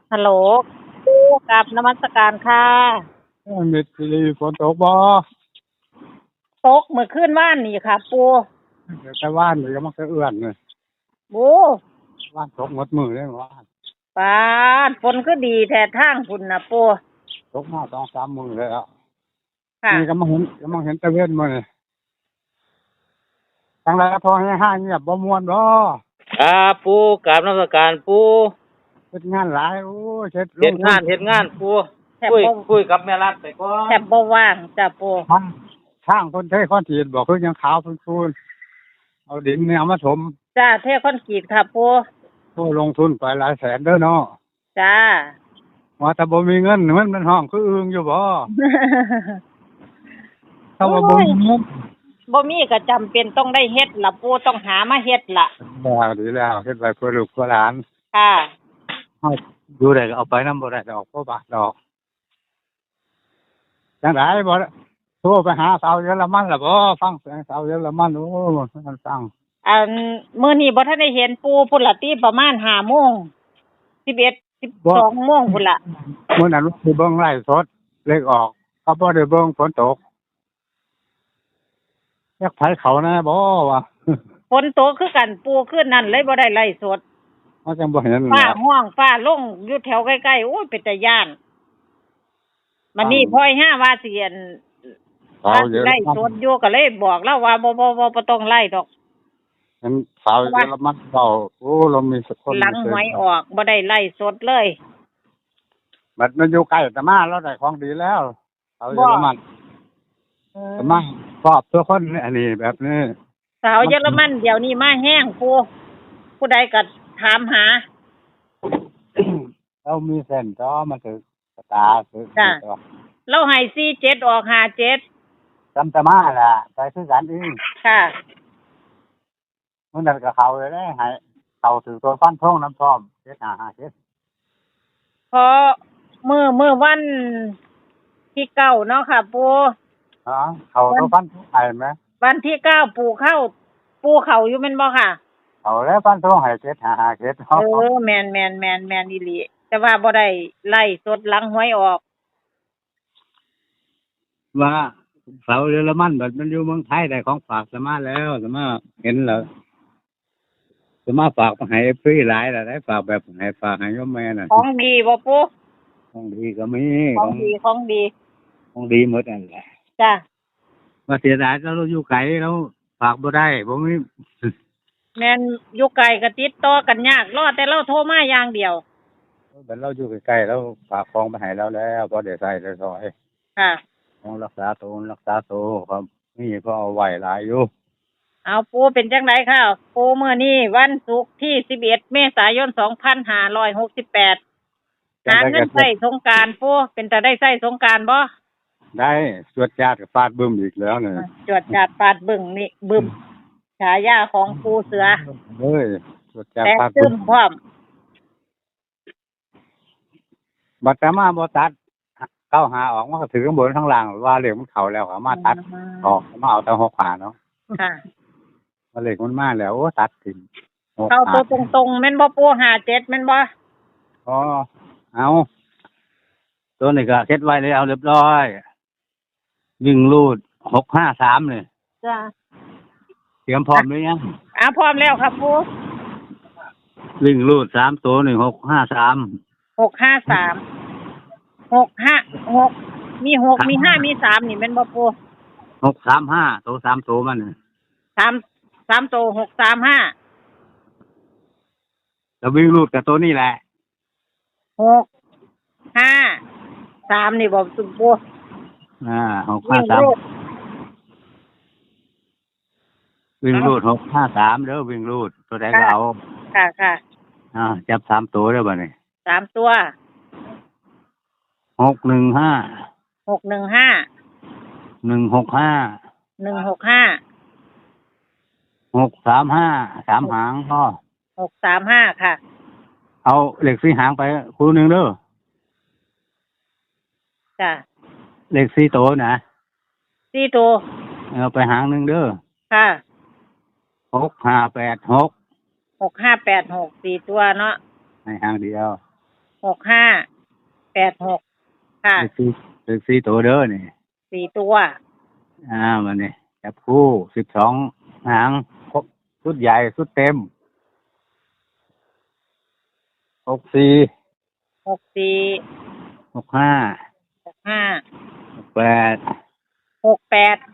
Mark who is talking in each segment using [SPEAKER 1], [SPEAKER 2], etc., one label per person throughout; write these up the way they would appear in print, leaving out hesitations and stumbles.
[SPEAKER 1] ฮัลโหลกับนมัสการค่ะ
[SPEAKER 2] มิดซีฝนตกบ่
[SPEAKER 1] ตกเมื่อคืนว่านนี่ค่ะปู
[SPEAKER 2] เดี๋ยวแต่ว่านนี่ก็มันก็เอื้อนเลย
[SPEAKER 1] บู
[SPEAKER 2] ว่านตกหมดมือเลยว่าน
[SPEAKER 1] ปาดฝนก็ดีแท้ทางคุณนะปู
[SPEAKER 2] ตกมา2-3มือเลยอ่ะ
[SPEAKER 1] ค่ะ
[SPEAKER 2] นี่ก็มาเห็นตะเวนมาเลยทางไรพอให้ห้างเงียบบ่ม่วนบ่
[SPEAKER 3] ครับปูกราบนมัสการปู
[SPEAKER 2] เฮ็ดงานหลายโอ้ยเฮ็ดล
[SPEAKER 3] เฮ็ด
[SPEAKER 2] งทุ
[SPEAKER 3] งานเฮ็ดงานปู
[SPEAKER 1] แทบ
[SPEAKER 3] คุย
[SPEAKER 1] บ่
[SPEAKER 3] คุยกับแม่รัดไปก่อน
[SPEAKER 1] แทบบ่ว่างจ้ะปู
[SPEAKER 2] ทางคนเทคอนกรีตบอกคือยังขาวพูนๆเอาดินเนี่ยเอามาถม
[SPEAKER 1] จ้าเทคอนกรีตค่ะปู
[SPEAKER 2] โอ้ลงทุนไปหลายแสนเด้อเนาะ
[SPEAKER 1] จ้า
[SPEAKER 2] ว่าแต่บ่มีเงินมันห้องคืออึงอยู่บ่ถ้าว่าบ่มีเงิน
[SPEAKER 1] บ่มีก็จำเป็นต้องได้เฮ็ดล่ะปูต้องหามาเฮ็ดล่ะ
[SPEAKER 2] แล้วดีแล้วเฮ็ดไว้เพื่อลูกเพื่อหลาน
[SPEAKER 1] ค่ะ
[SPEAKER 2] เฮาอยู่ได้ก็เอาไปนำบ่ได้ดอกบ่บาทดอกจังไดบ่โทรไปหาสาวเยอรมันล่ะบ่ฟังเสียงสาวเยอรมันโอ้มันฟัง
[SPEAKER 1] อันมื้อนี้บ่ทันได้เห็นปูพุ่นล่ะติประมาณ5:00 น11 12 โมงพุ่นล่ะ
[SPEAKER 2] มื้อนั้นสิเบิ่งไลฟ์สดเลขออกเขาบ่ได้เบิ่งฝนตกอยากไผเขาแน่บ่วะ
[SPEAKER 1] ฝนตกคือกันปูคืนนั้นเลยบ่ได้ไล่สด
[SPEAKER 2] เขาจังบ่เห็น
[SPEAKER 1] ฟ้า
[SPEAKER 2] แหละ
[SPEAKER 1] ห้องฟ้าลงอยู่แถวใกล้ๆโอ้ยเป็นตาย้านมันนี่พ่อยห้าว่าสิอัน
[SPEAKER 2] สาวเยอร
[SPEAKER 1] ไล่ส
[SPEAKER 2] มัน
[SPEAKER 1] ดอยู่ก็เลยบอกแล้วว่าบ่ต้องไล่ดอก
[SPEAKER 2] เห็นสาวเยอรมันเว้าโอ้เรามีสักคน
[SPEAKER 1] หลังหวยออกบ่ได้ไล่สดเลย
[SPEAKER 2] บัดมันอยู่ใกล้แต่มาเราได้ของดีแล้วสาวเยอรมันแต่มาชอบตัวคนอันนี้แบบนี้
[SPEAKER 1] สาวเยอรมันเดี๋ยวนี้มาแห้งผู้ใดก็ถามหา
[SPEAKER 2] เรามีเส้นก็มันถือตาถือ
[SPEAKER 1] จ้ะ เราให้47ออก57
[SPEAKER 2] จำแต่มาล่ะไปคือกันเอง
[SPEAKER 1] ค่ะ
[SPEAKER 2] มันนั่นก็เขาเลยได้ให้เขาถือตัวฟันทงน้ำพร้อม7557
[SPEAKER 1] พอมื้อวันที่9เนาะค่ะปู
[SPEAKER 2] อ๋อเขาตัวฟันทงให้ไหม
[SPEAKER 1] วันที่9ปูเข้าอยู่แม่นบ่ค่ะ
[SPEAKER 2] เขาแล้วฟันทงให้7557
[SPEAKER 1] แม่นอีหลีแต่ว่าบ่ได้ไล่สดหลังหวยออก
[SPEAKER 2] ว่าเสาเยอรมันแบบมันอยู่เมืองไทยได้ของฝากสมาแล้วสมาเห็นแล้วสมาฝากมาให้ฟรีหลายแล้วได้ฝากแบบให้ฝากให้โยมแม่น่ะ
[SPEAKER 1] ของดีบ่ปู่
[SPEAKER 2] ของดีก็มี
[SPEAKER 1] ของดี
[SPEAKER 2] ของดีหมดนั่นแหละ
[SPEAKER 1] จ้ะ
[SPEAKER 2] ว่าเสียดายเราอยู่ไกลเราฝากบ่ได้บ่มี
[SPEAKER 1] แม่นอยู่ไกลก็ติดต่อกันยากรอแต่เราโทรมาอย่างเดียว
[SPEAKER 2] บัดเราอยู่ใกล้ๆเราฝากของไปให้เราแล้วพอได้ใช้ได้ซอย
[SPEAKER 1] ค่ะ
[SPEAKER 2] ของรักษาตัวครับนี่ก็เอาไว้หลายอยู่
[SPEAKER 1] เอาปู่เป็นจังไดค่ะปู่มื้อนี้วันศุกร์ที่11เมษายน2568หาเงินใช้สงกรานต์ปู่เป็นตาได้ใช้สงกรานต์บ่
[SPEAKER 2] ได้สวดญาติกับฟาดบึ้มอีกแล้วเนี่ย
[SPEAKER 1] จวดจาดปาดบึ้งนี่บึ้มฉายาของปู่เสือ
[SPEAKER 2] เฮ้ยสวดญาติ
[SPEAKER 1] แต่
[SPEAKER 2] ฟาด
[SPEAKER 1] ซึ
[SPEAKER 2] บึ้
[SPEAKER 1] ม
[SPEAKER 2] ม
[SPEAKER 1] พร้อม
[SPEAKER 2] บัดแต่มาบ่ตัดเข้าหาออกมันก็ถือข้างบนข้างล่างว่าเลขมันเข้าแล้วก็มาตัดออกมาเอาแต่6ขาเนาะ
[SPEAKER 1] ค่ะ
[SPEAKER 2] ว่าเลขมันมาแล้วโอ้ตัดทิ้ง6
[SPEAKER 1] เข้าตัวตรงๆแม่นบ่ปู่57แม่นบ่
[SPEAKER 2] อ๋อเอาตัวนี้ก็เซ็ตไว้แล้วเรียบร้อยวิ่งรูด653นี่
[SPEAKER 1] จ้ะ
[SPEAKER 2] เตรียมพร้อมหรือยัง
[SPEAKER 1] พร้อมแล้วครับปู่
[SPEAKER 2] วิ่งรูด3ตัวนี่653
[SPEAKER 1] 653 656มี6มี5มี3นี่แม่นบ่ปู่
[SPEAKER 2] 635ตัว3ตัวมันนี่
[SPEAKER 1] 3ตัว635
[SPEAKER 2] แล้ววิ่งรูดกับตัวนี้แหละ
[SPEAKER 1] 653นี่บ่ปู่
[SPEAKER 2] 653วิ่งรูด653เด้อวิ่งรูดตัวใดก็เอา
[SPEAKER 1] ค่ะ
[SPEAKER 2] จับ3ตัวเด้อบัดนี้
[SPEAKER 1] 3ตัว
[SPEAKER 2] 615
[SPEAKER 1] 615
[SPEAKER 2] 165
[SPEAKER 1] 165
[SPEAKER 2] 635 3หางพอ
[SPEAKER 1] 635ค่ะ
[SPEAKER 2] เอาเลข4หางไปคู่หนึงเด้อ
[SPEAKER 1] จ้ะ
[SPEAKER 2] เลข4ตัวนะ
[SPEAKER 1] 4ตัว
[SPEAKER 2] เอาไปหางหนึงเด้อ
[SPEAKER 1] ค่ะ
[SPEAKER 2] 6586
[SPEAKER 1] 6586 4ตัวเนาะ
[SPEAKER 2] ให้หางเดียว
[SPEAKER 1] 6586ค่ะ
[SPEAKER 2] คือสี่ตัวเด้อนี่
[SPEAKER 1] 4ตัว
[SPEAKER 2] มันนี่จับคู่12 หางครบชุดใหญ่ชุดเต็ม64
[SPEAKER 1] 64
[SPEAKER 2] 65
[SPEAKER 1] 65
[SPEAKER 2] 68
[SPEAKER 1] 68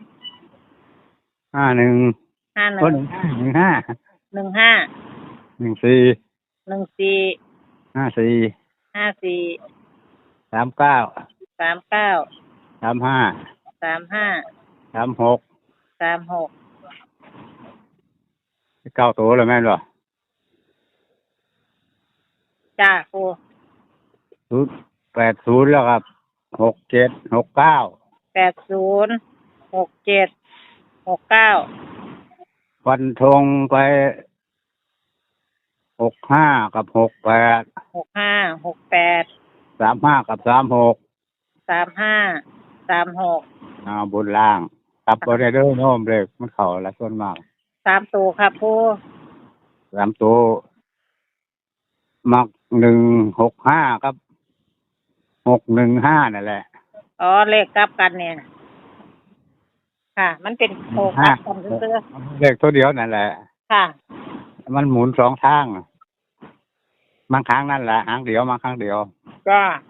[SPEAKER 2] 51
[SPEAKER 1] 51
[SPEAKER 2] 15
[SPEAKER 1] 15
[SPEAKER 2] 14
[SPEAKER 1] 14
[SPEAKER 2] 54
[SPEAKER 1] 54
[SPEAKER 2] 39
[SPEAKER 1] 39
[SPEAKER 2] 35
[SPEAKER 1] 35
[SPEAKER 2] 36
[SPEAKER 1] 36
[SPEAKER 2] 9 ตัวแล้วแม่นบ่
[SPEAKER 1] จ้าปู
[SPEAKER 2] 80แล้วครับ67 69
[SPEAKER 1] 80 67 69
[SPEAKER 2] ฟันธงไป65กับ68
[SPEAKER 1] 65 68
[SPEAKER 2] 35กับ36
[SPEAKER 1] 35 36
[SPEAKER 2] บนล่างกลับบ่ได้เด้อโน้มเลยมันเข้าละส่วนมาก
[SPEAKER 1] 3ตัวครับปู
[SPEAKER 2] 3ตัวมัก165กับ615นั่นแหละ
[SPEAKER 1] อ๋อเลขกลับกันเนี่ยค่ะ มันเป็นโคกลับกันซื่อ
[SPEAKER 2] เลขตัวเดียวนั่นแหละ
[SPEAKER 1] ๆค่ะ
[SPEAKER 2] มันหมุน2 ทางบางครั้งนั่นแหละหางเดียวบางครั้งเดียว
[SPEAKER 1] ก็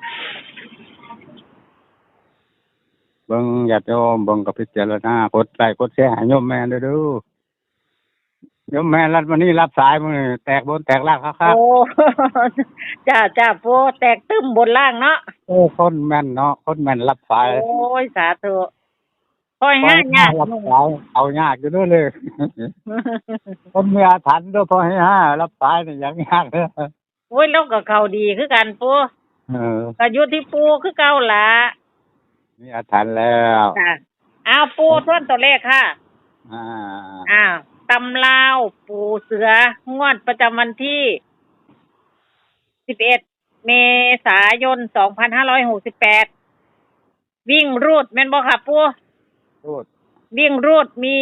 [SPEAKER 2] เบิ่งญาติโยมเบิ่งกับพิจารณากดไลค์กดแชร์ให้โยมแม่เด้อโยมแม่รับวันนี้รับสายมื้อนี้แตกบนแตกล่างครับ
[SPEAKER 1] โอ้ จ้าปูแตกตึ้มบนล่างเนาะ
[SPEAKER 2] คนแม่นเนาะคนแม่นรับสาย
[SPEAKER 1] โอ้ยสาธุค่อยห้ายาก
[SPEAKER 2] รับสายเอายากอยู่เด้อเลย คนมีอาถรรพ์เด้อพอให้รับสายนี่ยังยากเด้อ
[SPEAKER 1] โอ้ยแล้วก็เข้าดีคือกันปู ก็อยู่ที่ปูคือเก่าล่ะ
[SPEAKER 2] มีอาถรรพ์แล้ว
[SPEAKER 1] ค่ะอ้าวปูทวนตัวเลขค่ะ
[SPEAKER 2] อ่า
[SPEAKER 1] อ้าวตำลาวปูเสืองวดประจำวันที่11 เมษายน 2568 วิ่งรูดแม่นบ่ค่ะปู
[SPEAKER 2] พูด
[SPEAKER 1] วิ่งรูดมี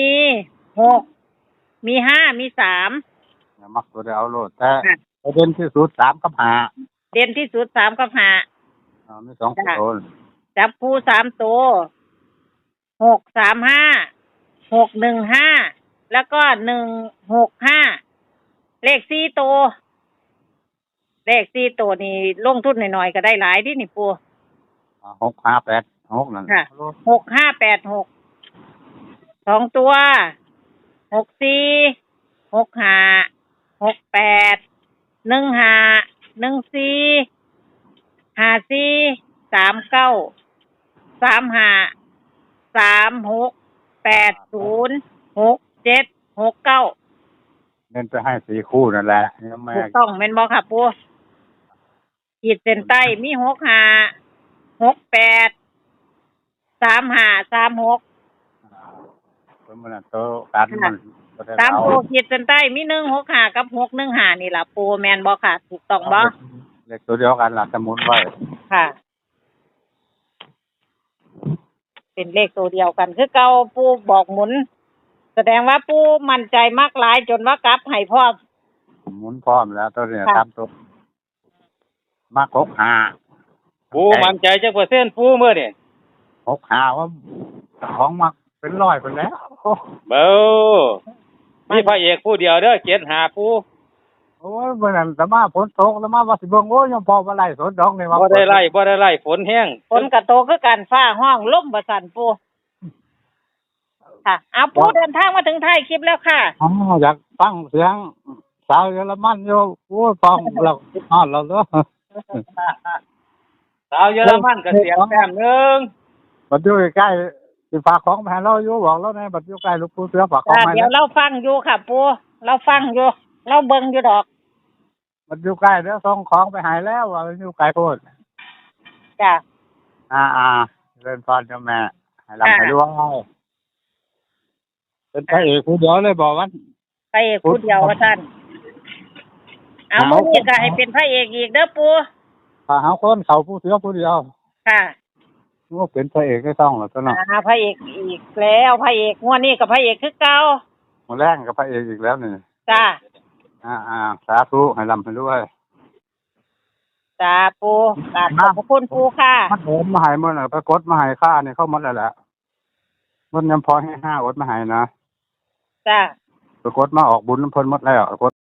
[SPEAKER 1] 6มี5มี3
[SPEAKER 2] อย่ามักตัวเดียวเอาโลดแต่ประเด็นที่สุด3กับ5
[SPEAKER 1] เด่นที่สุด3กับ
[SPEAKER 2] มี2ตัว
[SPEAKER 1] 5จับคู่3ตัว635 615แล้วก็165เลข4ตัวเลข4ตัวนี่ลงทุนหน่อยๆก็ได้หลายที่นี่ปู
[SPEAKER 2] 6586นั่น
[SPEAKER 1] ค่ะ 6586 2ตัว64 65 68 15 14 54 39 35 36 80 67 69
[SPEAKER 2] เน้นไปให้4คู่นั่นแหละโยมแม่
[SPEAKER 1] ถูกต้องแม่นบ่ค่ะปูขีดเส้นใต้มี65 68 35 36
[SPEAKER 2] เพิ่นมันโตกันมันบ่ได้
[SPEAKER 1] 3
[SPEAKER 2] เอา
[SPEAKER 1] ตัวขีดเส้นใต้มี165กับ615นี่ล่ะปูแม่นบ่ค่ะถูกต้องบ่
[SPEAKER 2] เลขตัวเดียวกันล่ะสมุนไว้
[SPEAKER 1] ค่ะ เป็นเลขตัวเดียวกันคือเก่าปูบอกหมุน แสดงว่าปูมั่นใจมากหลายจนว่ากลับให้พร้อม
[SPEAKER 2] หมุนพร้อมแล้วตัวนี้
[SPEAKER 1] ค่ะ
[SPEAKER 2] ตามตัวมา65
[SPEAKER 3] ปูมั่นใจจักเปอร์เซ็นต์ปูมื้อนี่
[SPEAKER 2] 65ว่าของมักเป็นร้อยไปแล้ว
[SPEAKER 3] เบ้อมีพระเอกผู้เดียวเด้อ75ปู
[SPEAKER 2] โอ้ยเมื่อนั้นสมาฝนตกแล้วมาว่าสิเบิ่งโอ้ยยังพอมาไล่สนดอกนี่ว่า
[SPEAKER 3] บ่ได้ไล่ฝนแห้ง
[SPEAKER 1] ฝนกระโตกคือกันฟ้าห้องลมบ่สั่นปูค่ะเอาปูเดินทางมาถึงท้ายคลิปแล้วค่ะ
[SPEAKER 2] อ๋ออยากฟังเสียงสาวเยอรมันอยู่โอ้ยฟังเราฮอดเราเด้อ
[SPEAKER 3] สาวเยอรมันก็เสียงแต้มหนึง
[SPEAKER 2] บัดอยู่ใกล้ๆสิฝากของมาให้เราอยู่บอกเราแน่บัดอยู่ใกล้หลวงปู่เสือฝากของมาให้
[SPEAKER 1] เดี๋ยวเราฟังอยู่ค่ะปูเราฟังอยู่ เราเบิ่งอยู่ดอก
[SPEAKER 2] บัดอยู่ใกล้เดี๋ยวส่งของไปให้แล้วว่ามันอยู่ไกลโพด
[SPEAKER 1] จ้ะ
[SPEAKER 2] เล่นพรเจ้าแม่ให้ลำให้ด้วยเป็นพระเอกผู้เดียวเลยบอกว่า
[SPEAKER 1] พระเอกผู้เดียวว่าท่านเอามื้อนี้ก็ให้เป็นพระเอกอีกเด้อปู
[SPEAKER 2] ถ้าหาคนเขาผู้เสือผู้เดียว
[SPEAKER 1] ค่ะ
[SPEAKER 2] ก็เป็นพระเอกก็ต้องหรอกตัวเนาะ
[SPEAKER 1] พระเอกอีกแล้วพระเอกงวดนี้กับพระเอกคือเก่า
[SPEAKER 2] หมดแรงกับพระเอกอีกแล้วนี่
[SPEAKER 1] จ้า
[SPEAKER 2] สาธุให้ลำให้ด้วย
[SPEAKER 1] จ้าปูกราบขอบพระคุณปูค่ะ
[SPEAKER 2] มันโอนมาให้มันไปกดมาให้ค่านี่เข้าหมดแล้วแหละมันยังพอให้5อดมาให้นะ
[SPEAKER 1] จ้า
[SPEAKER 2] ไปกดมาออกบุญเพิ่นหมดแล้ว